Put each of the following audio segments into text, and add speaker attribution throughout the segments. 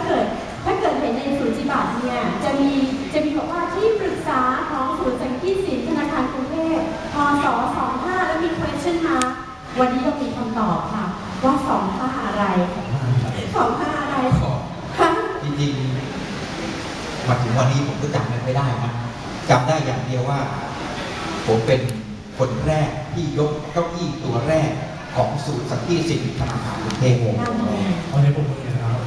Speaker 1: เกิดเห็นในศูนย์จิบัตรเนี่ยจะมีบอกว่าที่ปรึกษาของศูนย์สังกีตศิลป์ธนาคารกรุงเทพพศ25แล้วมี question mark วันนี้เรามีคำตอบค่ะว่า25อะไร25อะไร
Speaker 2: จริงๆมาถึงวันนี้ผมก็จำไม่ได้นะจำได้อย่างเดียวว่าผมเป็นคนแรกที่ยกเก้าอี้ตัวแรกของศูนย์สังกีตศิลป์ธนาคารกรุงเทพ
Speaker 3: เอาในผมเลยนะครับ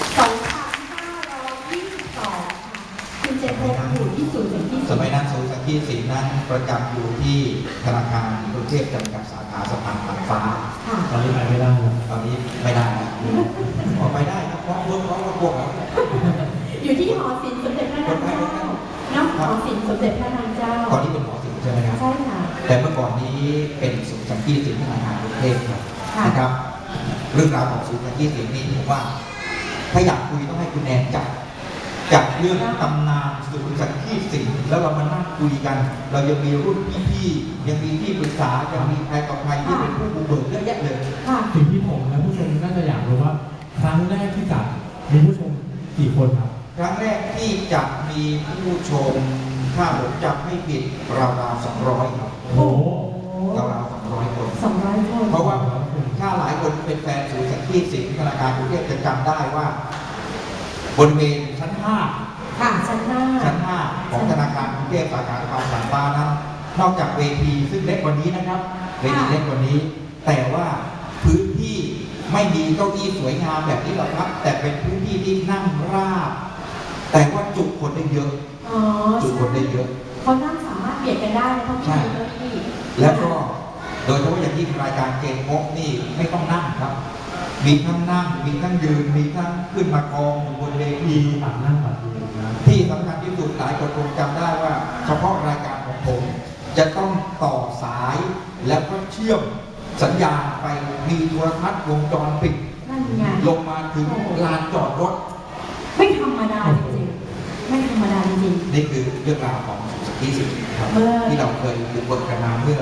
Speaker 1: 2522คุณเจพบอยู่ที่ศูนย์สังกีต
Speaker 2: สมัยนั้นศูนย์สังกีตศิลป์นั้นประจำอยู่ที่ธนาคารกรุงเทพจำกัดสาขาสะพานผ่านฟ้า
Speaker 3: ตอนนี้ไปไม่ได้แล้ว
Speaker 2: ตอนนี้ไม่ได้แล้วออกไปได้นะเพราะพวกแล้ว
Speaker 1: อยู่ที่หอศิลป์สมเด็จพระนางเจ้าน้ำหอศิลป์สมเด็จพระนางเจ้า
Speaker 2: ตอนนี้เป็นหอศิลป์ใช่ไหมครับ
Speaker 1: ใช่ค่ะ
Speaker 2: แต่เมื่อก่อนนี้เป็นศูนย์สังกีตศิลป์ธนาคารกรุงเทพนะครับเรื่องราวของศูนย์สังกีตศิลป์นี่ผมว่าถ้าอยากคุยต้องให้คุณแนนจัดเรื่องตำนานศูนย์สังกีตศิลป์แล้วเรามานั่งคุยกันเรายังมีรุ่นพี่ๆยังมีที่ปรึกษายังมีใครต่อใครที่เป็นผู้บุกเบิกเยอะแยะเลย
Speaker 3: สิ่งที่ผมและผู้ชมน่าจะอยากรู้ว่าครั้งแรกที่จัดมีผู้ชมกี่คนครับ
Speaker 2: ครั้งแรกที่จะมีผู้ชมถ้าผมจำไม่ผิดราวๆ200ครับ
Speaker 3: โอ้
Speaker 2: ราวๆ200 คน
Speaker 1: 200 คน
Speaker 2: เพราะว่าถ้าหลายคนเป็นแฟนศูนย์สังกีตศิลป์ธนาคารกรุงเทพจะจำได้ว่าบริเวณชั้น5
Speaker 1: ค่ะชั้น
Speaker 2: 5ของธนาคารกรุงเทพสาขาสะพานผ่านฟ้านั้นนอกจากเวทีซึ่งเล็กกว่านี้นะครับเวทีเล็กกว่านี้แต่ว่าพื้นที่ไม่มีเก้าอี้สวยงามแบบนี้หรอกครับแต่เป็นพื้นที่ที่นั่งราบแต่ว่าจุคนได้เยอะจุคนได้เยอะ
Speaker 1: เขานั่งสามารถเบียดกันได้เพราะไม่มีเก้าอี้
Speaker 2: แล้วก็โดยเฉพาะอย่างยิ่งรายการเกมพกนี่ไม่ต้องนั่งครับมีทั้งนั่งมีทั้งยืนมีทั้งขึ้นมากองอยู่บนเวที
Speaker 3: นั่งแบบนี้
Speaker 2: ที่สำคัญที่สุดหลายคนคงจำได้ว่าเฉพาะรายการของผมจะต้องต่อสายแล้วก็เชื่อมสัญญาณไปมีโทรทัศน์วงจรปิดลงมาถึงลานจอดรถ
Speaker 1: ไม่ธรรมดาจริงๆไม่ธรรมดาจริงๆ
Speaker 2: นี่คือเรื่องราวของสังกีตศิลป์ครับที่เราเคยบุกเบิกกันมาเมื่อ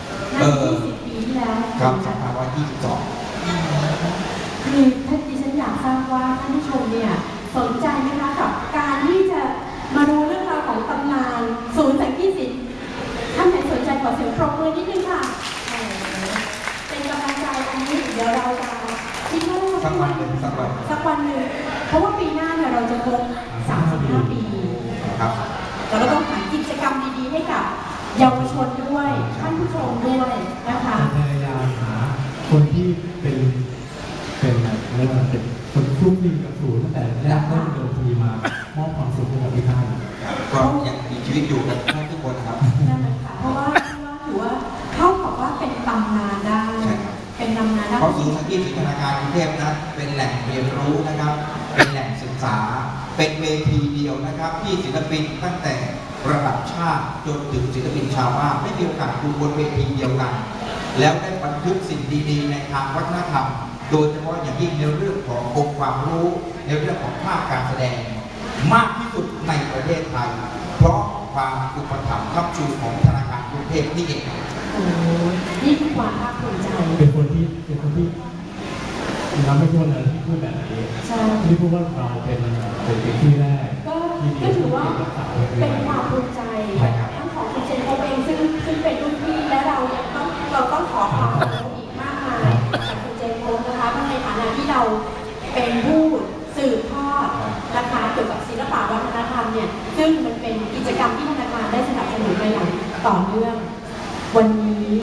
Speaker 1: 20 ปีที่แล้ว
Speaker 2: ครับ2522
Speaker 1: คือท่านดิฉันอยากทราบว่าท่านผู้ชมเนี่ยสนใจไหมคะกับการที่จะมาดูเรื่องราวของตำนานศูนย์สังกีตศิลป์ท่านไหนสนใจขอเสียงปรบมือนิดนึงค่ะเป็นกำลังใจอันนี้เดี๋ยวเราจะคิดว่า
Speaker 2: สักวันหนึ่ง
Speaker 1: เพราะว่าปีหน้าเนี่ยเราจะครบ35 ปี
Speaker 2: ครับ
Speaker 1: แต่เราต้องหากิจกรรมดีๆให้กับเยาวชนด้วยท่านผู้ชมด้วยนะคะ
Speaker 3: พยายามหาคนที่เป็นเรียกว่าเป็นคนคลุกคลีกับศูนย์ตั้งแต่แรกเริ่มเดินทีมามอบความสุขให้กับพี่ท่าน
Speaker 2: ก็ยังมีชีวิตอยู่กันทุกคนครับ
Speaker 1: นั่นแหละค่ะเพราะว่าถือว่าเข้ากับว่าเป็นตำนานได้เป็นตำนานได้
Speaker 2: เพราะศูนย์สังกีตศิลป์ธนาคารกรุงเทพนั้นเป็นแหล่งเรียนรู้นะครับเป็นแหล่งศึกษาเป็นเวทีเดียวนะครับที่ศิลปินตั้งแต่ระดับชาติจนถึงศิลปินชาวบ้านไม่มีโอกาสดูบนเวทีเดียวกันแล้วได้บันทึกสิ่งดีๆในทางวัฒนธรรมโดยเฉพาะอย่างยิ่งในเรื่องขององค์ความรู้ในเรื่องของภาพการแสดงมากที่สุดในประเทศไทยเพราะความอุปถัมภ์ค้ำชูของธนาคารกรุงเทพนี่เอง
Speaker 1: โอ้นี่คือความภาคภูมิใจ
Speaker 3: เป็นคนที่เราไม่พูดเลยที่พูดแบบนี้ที่พูดว่าเราเป็นที่แรก
Speaker 1: ก็ถือว่าเป็นความภูมิใจทั้งของคุณเจนเขาเองซึ่งเป็นรุ่นพี่และเราต้องขอความขอบคุณอีกมากมายจากคุณเจนโพนะคะในฐานะที่เราเป็นผู้สืบทอดนะคะเกี่ยวกับศิลปะวัฒนธรรมเนี่ยซึ่งมันเป็นกิจกรรมที่ธนาคารได้สนับสนุนมาอย่างต่อเนื่องวันนี้